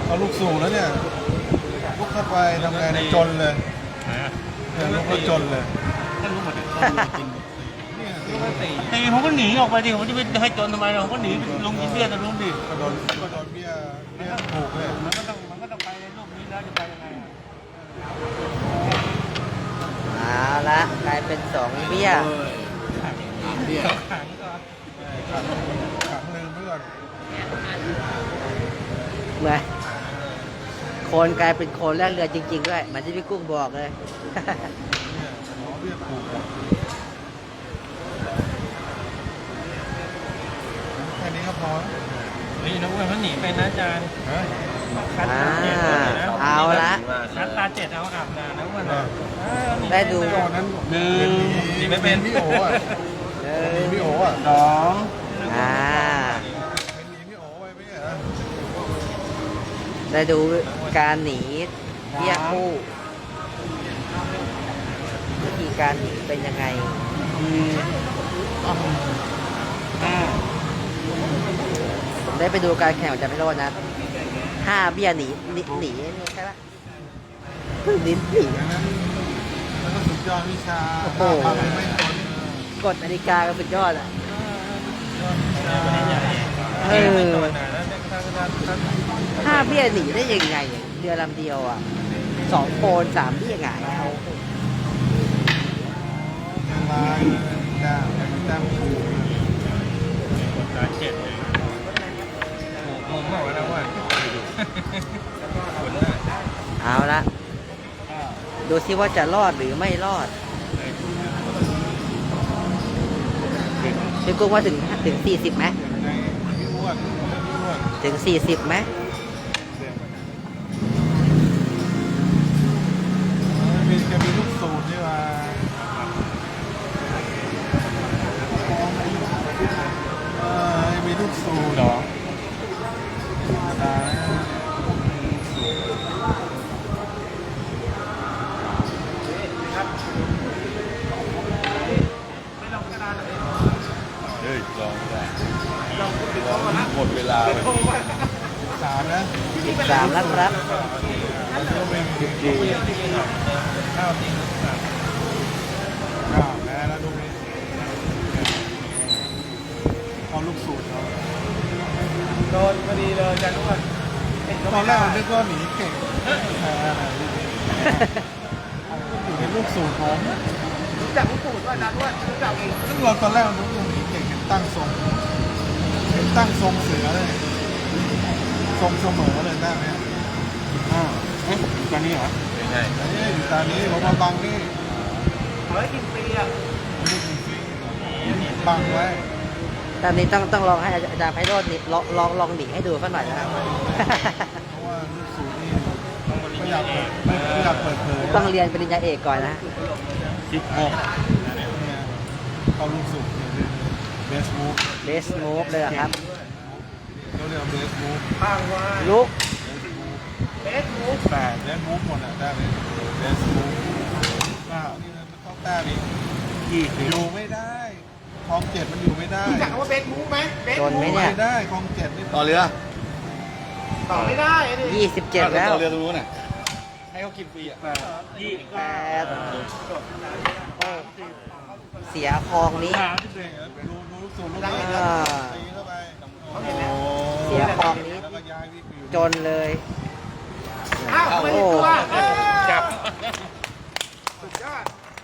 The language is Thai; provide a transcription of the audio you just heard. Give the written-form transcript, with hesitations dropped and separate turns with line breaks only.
เอาลูกสู่แล้วเนี่ยลุกเข้าไปทำไงในจนเลยเนี่ยลุกแล้วจนเลยถ้าลุกหมดเนี่ย
ตีผมก็หนีออกไปดิผมจะไปให้จนทำไมเราก็หนีลงกินเบี้ยแต่ลุงดิ
ก็โดนเบี้ยถูกเลย
มันก็ต้องไปในรูปนี้แล้วจะไปยังไง
เอาละกลายเป็น2 เบี้ย
ขังลืมไปก่อน
เหมือนโคนกลายเป็นโคนแรกเรือจริงๆด้วยมันที่พี่กุ้งบอกเลย
เบี้ยถูกแค่นี้ก็พอ
นี่นักเว้ยเขาหนีไปนะอาจารย์
เอาละ
คัดตา7เอาอาบน้ำนะวัน
ได้ดู
ตอนนั้น
หนีไม่เป็น
พี่โอ๋อ่ะพี่โอ๋อ่ะ
2
พี่โอ๋ไว้ไม่ใช่เหรอ
ได้ดูการหนีเบี้ยคู่วิธีการหนีเป็นยังไงผมได้ไปดูการแข่งของจันพิโรจน์นะ5 เบี้ยหนีใช่ปะหนี
แล้วก็สุดยอดวิชาไม่
กดนาฬิกาก็สุดยอดอ่ะ5 เบี้ยหนีได้ยังไงเรือลำเดียวอ่ะ2 โคน3 เบี้ยหงายเอา
ลายดำถูก
ตา7เลยผมบอกแล้วว่า
เอาละดูซิว่าจะรอดหรือไม่รอดพี่กุ้งว่าถึง40ไหมถึง40ไหม
จะมีลูกสูตรใช่ไหมมีลูกสูตรเหรอหมดเวลา3นะ
13แล้วครับ
แพ้แล้วลูกนี้เอาลูกสูตรเขา
โดนพอดีเลยจันทุกคน
ตอนแรกผมนึกว่าหนีเก่งอยู่ในลูกสูตรผม
รู้จักลูกสูตรว่าจันว่ารู้จักเอง
ซึ่งเราตอนแรกเรานึกว่าหนีเก่งเห็นตั้งทรงเสือเลยทรงเสมอเลยได้ไหม
ตอนนี้เหรอ
ใช่อยู่ตอนนี้ผมมาบังนี่
กินฟรีอ่ะ
บังไว้
ตอนนี้ต้องลองให้อาจารย์ไพโรจน์ลองหนีให้ดูสักหน่อยนะครับเพราะ
ว่าลูกสูตรนี่ไม่อยากเปิดเผย
ต้องเรียนปริญญาเอกก่อนนะ
เขาลูกสูตรเบส
มูฟเลยครับ
เขาเรียกเบสมูฟ
ลุก
เบสมูฟหมดอ่ะได้ไหมเบสมูฟนี่มันต้องแต้มอีกอยู่ไม่ได้คลอง7มันอยู่ไม่ได้
รู้จักว่าเบสมูฟไหม
โดนไหมเนี่ย
ไม่ได้คลอง7นี่
ต่อเรือ
ต่อไม่ได้
27แล้ว
ต่อเรือตรงนู้นน่ะให้เขากินฟรีอ่ะ
28เสียคลองนี้เสียคลองนี้จนเลย
โอ้จับสุดยอด